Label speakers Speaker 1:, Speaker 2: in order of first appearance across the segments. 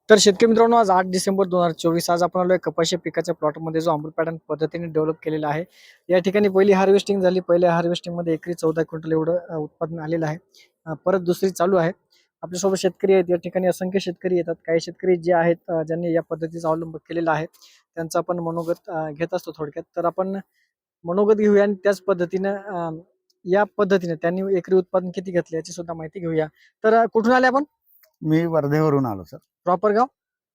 Speaker 1: तर शेतकरी मित्रांनो, आज 8 डिसेंबर 2024 आज आपण आलोय कपाशी पिकाच्या प्लॉटमध्ये, जो अमृत पॅटर्न पद्धतीने डेव्हलप केलेला आहे. या ठिकाणी पहिली हार्वेस्टिंग झाली. पहिल्या हार्वेस्टिंग मध्ये एकरी 14 क्विंटल एवढं उत्पादन आलेलं आहे. परत दुसरी चालू आहे. आपल्यासोबत शेतकरी आहेत. या ठिकाणी असंख्य शेतकरी येतात. काही शेतकरी जे आहेत, ज्यांनी या पद्धतीचा अवलंब केलेला आहे, त्यांचा आपण मनोगत घेत असतो थोडक्यात. तर आपण मनोगत घेऊया आणि त्याच पद्धतीने या पद्धतीने त्यांनी एकरी उत्पादन किती घेतले याची सुद्धा माहिती घेऊया. तर कुठून आले आपण?
Speaker 2: मी वर्धेवरून आलो सर.
Speaker 1: प्रॉपर गाव?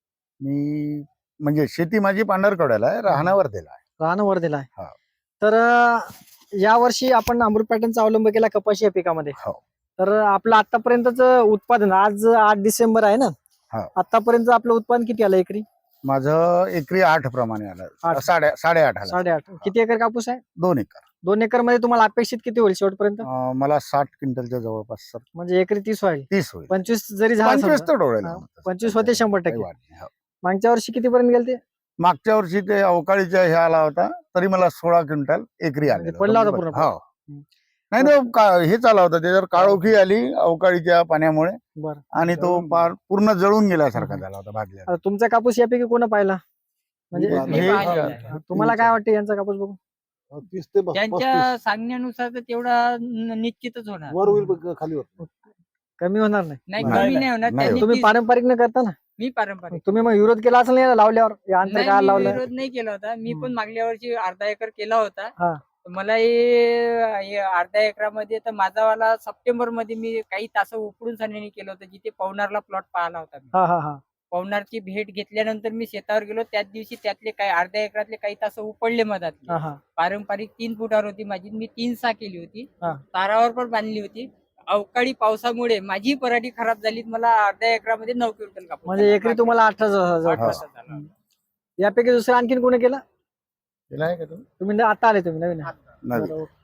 Speaker 2: मी म्हणजे शेती माझी पांढरकवड्याला आहे, राहणं वर्धेला आहे.
Speaker 1: राहणं वर्धेला आहे.
Speaker 2: हा.
Speaker 1: तर या वर्षी आपण अमृत पॅटर्नचा अवलंब केला कपाशी या पिकामध्ये.
Speaker 2: हो.
Speaker 1: तर आपलं आतापर्यंतच उत्पादन, आज 8 डिसेंबर आहे ना,
Speaker 2: हा.
Speaker 1: आतापर्यंत आपलं उत्पादन किती आलं एकरी?
Speaker 2: माझं एकरी 8 प्रमाणे आलं. 8.5 आलं.
Speaker 1: 8.5. किती एकर कापूस आहे?
Speaker 2: 2 एकर.
Speaker 1: 2 एकर मध्ये तुम्हाला अपेक्षित किती होईल शेवटपर्यंत?
Speaker 2: मला 60 क्विंटलच्या जवळपास सर.
Speaker 1: म्हणजे एकरी 30 होईल.
Speaker 2: 30 होईल.
Speaker 1: 25 जरी झालं
Speaker 2: 25 तर डोळ्याला
Speaker 1: हा,
Speaker 2: होतं.
Speaker 1: 25 होते 100%.
Speaker 2: काही वाढ नाही. हो.
Speaker 1: मागच्या वर्षी किती पर्यंत गेले ते?
Speaker 2: मागच्या वर्षी ते अवकाळीच्या हे आला होता, तरी मला 16 क्विंटल एकरी आले.
Speaker 1: म्हणजे पडला होता पूर्ण.
Speaker 2: हो. नाही तो हे चालला होता, त्याच्यावर काळोखी आली अवकाळीच्या पाण्यामुळे
Speaker 1: बरं.
Speaker 2: आणि तो पूर्ण जळून गेल्यासारखा झाला होता भाजल्या.
Speaker 1: आता तुमचा कापूस यापैकी कोण पाहिला? म्हणजे तुम्हाला काय वाटतं यांचा कापूस बघून?
Speaker 3: 30 ते 35
Speaker 4: त्यांच्या सांगण्यानुसार तर तेवढा निश्चितच होणार.
Speaker 3: वर होईल खाली वर.
Speaker 1: कमी होणार नाही?
Speaker 4: नाही,
Speaker 2: नाही,
Speaker 4: कमी नाही होणार.
Speaker 2: नाही.
Speaker 4: त्यांनी
Speaker 1: तुम्ही
Speaker 4: तीस-
Speaker 1: पारंपरिक न करता ना?
Speaker 4: मी पारंपरिक
Speaker 1: तुम्ही मग विरोध केला असेल ना लावल्यावर, या अंतर
Speaker 4: नाही,
Speaker 1: काय
Speaker 4: मी
Speaker 1: लावलं?
Speaker 4: विरोध नाही केला होता. मी
Speaker 1: हम्म.
Speaker 4: पण मागल्या वर्षी अर्धा एकर केला होता.
Speaker 1: हा.
Speaker 4: मला हे अर्ध्या एकरामध्ये तर माझावाला सप्टेंबर मध्ये मी काही तास उपडून सण्याने केलं होतं, जिथे पवनारला प्लॉट पाहिला होता मी.
Speaker 1: हा हा हा.
Speaker 4: पवनारची भेट घेतल्यानंतर मी शेतावर गेलो. त्याच दिवशी त्यातले काही अर्ध्या एकरातले काही तास उपडले मधात.
Speaker 1: हा हा.
Speaker 4: पारंपरिक 3 फुटावर होती माझी. मी 3 सा केली होती.
Speaker 1: हा.
Speaker 4: तारावर पण बांधली होती. अवकाळी पावसामुळे माझी पराठी खराब झाली. मला अर्ध्या एकरामध्ये 9 क्विंटल कापूस
Speaker 1: म्हणजे
Speaker 4: झाला.
Speaker 1: एकरी तुम्हाला 18,000.
Speaker 4: 18,000 झाला.
Speaker 1: यापैकी दुसरं आणखीन कोणी केलं?
Speaker 2: केलं आहे का तुम्ही?
Speaker 1: तुम्ही आता आले, तुम्ही नवीन आहे.
Speaker 2: नाही.
Speaker 1: बरं, ओके.